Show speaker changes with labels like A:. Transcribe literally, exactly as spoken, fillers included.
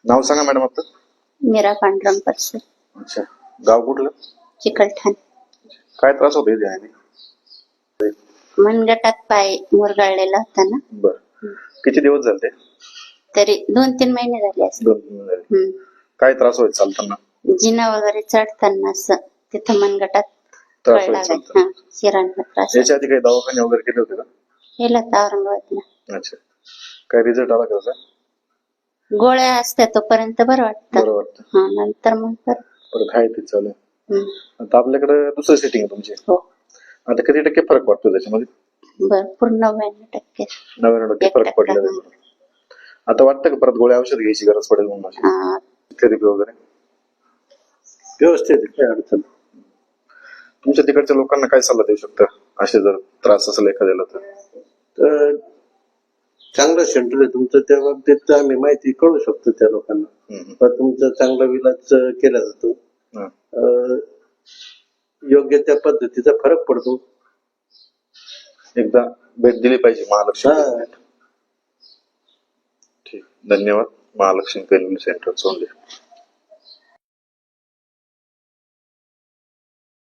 A: नाव सांगा मॅडम आपलं.
B: मीरा पांडुरंग परसर.
A: अच्छा, गाव कुठलं?
B: चिकलठाण.
A: काय त्रास होतो इथे?
B: मनगटात पाय मुरगाळलेला होता ना.
A: बर, किती दिवस झाले?
B: तरी दोन तीन महिने झाले असते.
A: दोन तीन झाले. काय त्रास व्हायचा चालताना?
B: जिना वगैरे चढताना असं तिथं मनगटात
A: त्रास व्हायचा.
B: शिरांना त्रास.
A: याच्या आधी काही दवाखाने वगैरे केले होते का?
B: केला तर औरंगाबादला.
A: अच्छा, काय रिझल्ट आला का?
B: गोळ्या असत्या तोपर्यंत बरं वाटतं.
A: बरं वाटतं.
B: हा, नंतर मग परत
A: परत आहे ते चालू. आता आपल्याकडे दुसरं सेटिंग आहे तुमची.
B: हो.
A: आता किती टक्के फरक पडतो त्याच्यामध्ये?
B: भरपूर नव्याण्णव टक्के.
A: नव्याण्णव टक्के फरक पडला. आता वाटतं का परत गोळ्या औषध घ्यायची गरज पडेल म्हणून? थेरपी वगैरे व्यवस्थित काय अडचण? तुमच्या तिकडच्या लोकांना काय सल्ला देऊ शकता असे जर त्रास असेल एखाद्याला तर?
C: चांगलं सेंटर आहे तुमचं, त्या बाबतीत आम्ही माहिती कळू शकतो त्या लोकांना. पण तुमचा चांगला विलाज केला जातो, योग्य त्या पद्धतीचा फरक पडतो.
A: एकदा भेट दिली पाहिजे महालक्ष्मी. ठीक, धन्यवाद. महालक्ष्मी पेन सेंटर सोडले.